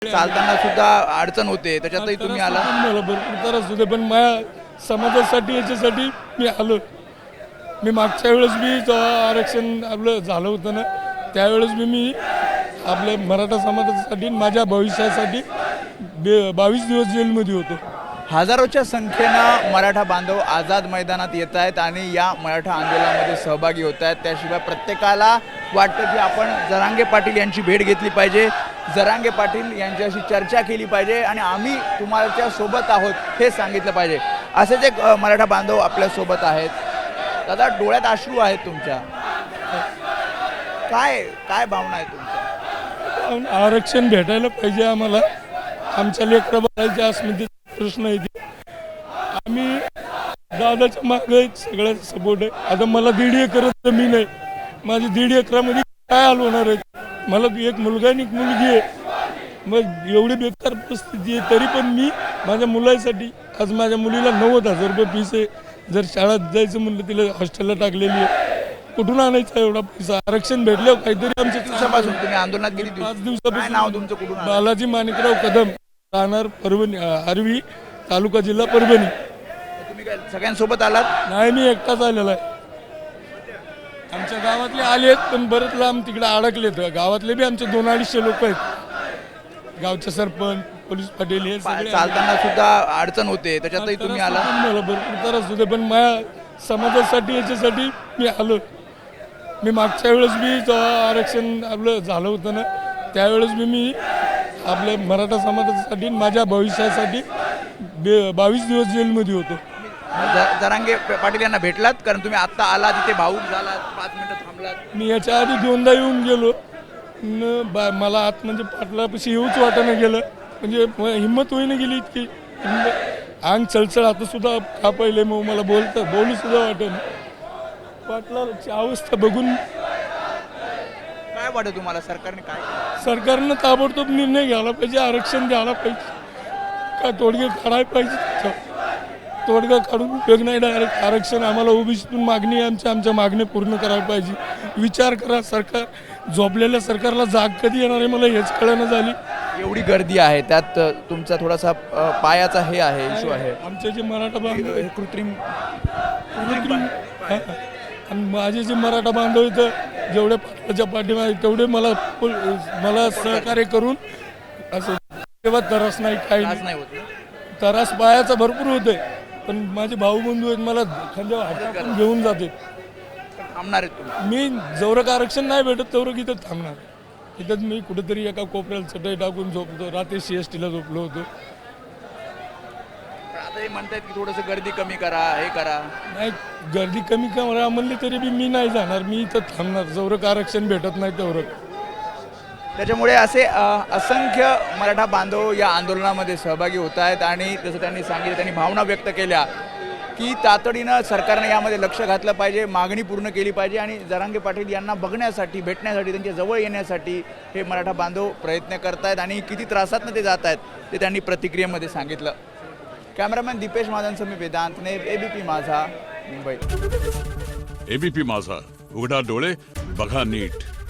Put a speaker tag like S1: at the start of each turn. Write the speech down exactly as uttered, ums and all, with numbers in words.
S1: चालताना सुद्धा अडचण होते, त्याच्यातही तुम्ही आला.
S2: मला भरपूर त्रास होते, पण माझ्या समाजासाठी याच्यासाठी मी आलो. मी मागच्या वेळेस मी जेव्हा आरक्षण आपलं झालं होतं ना, त्यावेळेस मी मी आपल्या मराठा समाजासाठी माझ्या भविष्यासाठी बे बावीस दिवस जेलमध्ये होतो.
S1: हजारोच्या संख्येनं मराठा बांधव आझाद मैदानात येत आहेत आणि या मराठा आंदोलनामध्ये सहभागी होत आहेत. त्याशिवाय प्रत्येकाला वाटतं की आपण जरांगे पाटील यांची भेट घेतली पाहिजे, जरांगे पाटील यांच्याशी चर्चा केली पाहिजे आणि आम्ही तुम्हाला सोबत आहोत हे सांगितलं पाहिजे. असेच एक अ, मराठा बांधव आपल्यासोबत आहेत. दादा, डोळ्यात अश्रू आहेत तुमच्या, काय काय भावना आहे तुमच्या?
S2: आरक्षण भेटायला पाहिजे आम्हाला. आमच्या लेकरं बाळाच्या अस्मितेचा प्रश्न आहे ते. आम्ही दादाच्या मागे सगळ्याचा सपोर्ट आहे. आता मला दीड एकर जमीन आहे. माझी दीड एकरामध्ये काय हाल होणार आहे? मला एक मुलगा आणि एक मुलगी आहे. मग एवढी बेकार परिस्थिती आहे, तरी पण मी माझ्या मुलासाठी आज माझ्या मुलीला नव्वद हजार रुपये फीस आहे. जर शाळेत जायचं म्हणलं तिला हॉस्टेलला टाकलेली आहे. कुठून आणायचा एवढा पैसा? आरक्षण भेटल्यावर काहीतरी आमच्या
S1: दिवसापासून तुम्ही आंदोलनात गेली
S2: पाच
S1: काय
S2: दिवसापासून.
S1: नाव तुमचं, कुठून आलं?
S2: बालाजी माणिकराव कदम, राहणार परभणी, आर्वी तालुका, जिल्हा परभणी.
S1: तुम्ही काय सगळ्यांसोबत आलात?
S2: नाही, मी एकटाच आलेला आहे. आमच्या गावातले आले आहेत, पण बरेच लांब तिकडे अडकलेत. गावातले बी आमचे दोन अडीचशे लोक आहेत. गावचे सरपंच, पोलीस पाटील हे सगळे.
S1: चालताना सुद्धा अडचण होते, त्याच्यातही तुम्ही आला.
S2: मला भरपूर त्रास होते, पण माझ्या समाजासाठी याच्यासाठी मी आलो. मी मागच्या वेळेस मी जेव्हा आरक्षण आपलं झालं होतं ना, त्यावेळेस मी मी आपल्या मराठा समाजासाठी माझ्या भविष्यासाठी बे बावीस दिवस जेलमध्ये होतो.
S1: ज- जरांगे पाटील यांना भेटलात? कारण तुम्ही आता आला, तिथे भाऊक झालात, पाच मिनिटं थांबलात.
S2: मी याच्या आधी दोनदा येऊन गेलो न बा मला आत म्हणजे पाटलापाशी येऊच वाटानं गेलं. म्हणजे म- हिंमत होईना गेली इतकी. हिंमत- अंग चळचळ आता सुद्धा का पहिले मग मला बोलतं बोलू सुद्धा वाटेन. पाटलाची अवस्था बघून
S1: काय वाटतं तुम्हाला, सरकारने काय केलं?
S2: सरकारनं ताबडतोब निर्णय घ्यायला पाहिजे, आरक्षण द्यायला पाहिजे, का तोडगे काढायला पाहिजे. त्याच्यावर तोडगा काढून उपयोग नाही. डायरेक्ट आरक्षण आम्हाला ओबीसीतून मागणी आहे, आमच्या आमच्या मागणी पूर्ण करायला पाहिजे. विचार करा, सरकार झोपलेल्या सरकारला जाग कधी येणार आहे मला हेच कळणं झाली.
S1: एवढी गर्दी आहे, त्यात तुमचा थोडासा अ, पायाचा हे आहे, इश्यू आहे.
S2: आमचे जे मराठा बांधव
S1: हे कृत्रिम
S2: कृत्रिम हा. आणि माझे जे मराठा बांधव इथं जेवढे पाटलाच्या पाठीमागे तेवढे मला मला सहकार्य करून असं तेव्हा त्रास नाही, काही
S1: त्रास
S2: नाही.
S1: नाही होत ना?
S2: त्रास पायाचा भरपूर होतोय, पण माझे भाऊ बंधू आहेत, मला खांद्यावर हात टाकून घेऊन जाते.
S1: थांबणार आहेत तुम्ही?
S2: मी जवरक आरक्षण नाही भेटत तेवढं इथं थांबणार. इथंच मी कुठेतरी एका कोपऱ्याला चटई टाकून झोपतो. रात्री सी एस टीला झोपलो होतो.
S1: पण आता हे म्हणतायत की थोडंसं गर्दी कमी करा, हे करा.
S2: नाही, गर्दी कमी करा म्हणली तरी बी मी नाही जाणार. मी इथं थांबणार जवरक आरक्षण भेटत नाही तेवढं.
S1: त्याच्यामुळे असे अ, असंख्य मराठा बांधव या आंदोलनामध्ये सहभागी होत आहेत आणि जसं त्यांनी सांगितलं, त्यांनी भावना व्यक्त केल्या की तातडीनं सरकारने यामध्ये लक्ष घातलं पाहिजे, मागणी पूर्ण केली पाहिजे आणि जरांगे पाटील यांना बघण्यासाठी, भेटण्यासाठी, त्यांच्या जवळ येण्यासाठी हे मराठा बांधव प्रयत्न करत आहेत आणि किती त्रासातनं ते जात आहेत ते त्यांनी प्रतिक्रियेमध्ये सांगितलं. कॅमेरामॅन दीपेश महाजनसह मी वेदांत ने, एबीपी माझा, मुंबई.
S3: एबीपी माझा, उघडा डोळे बघा नीट.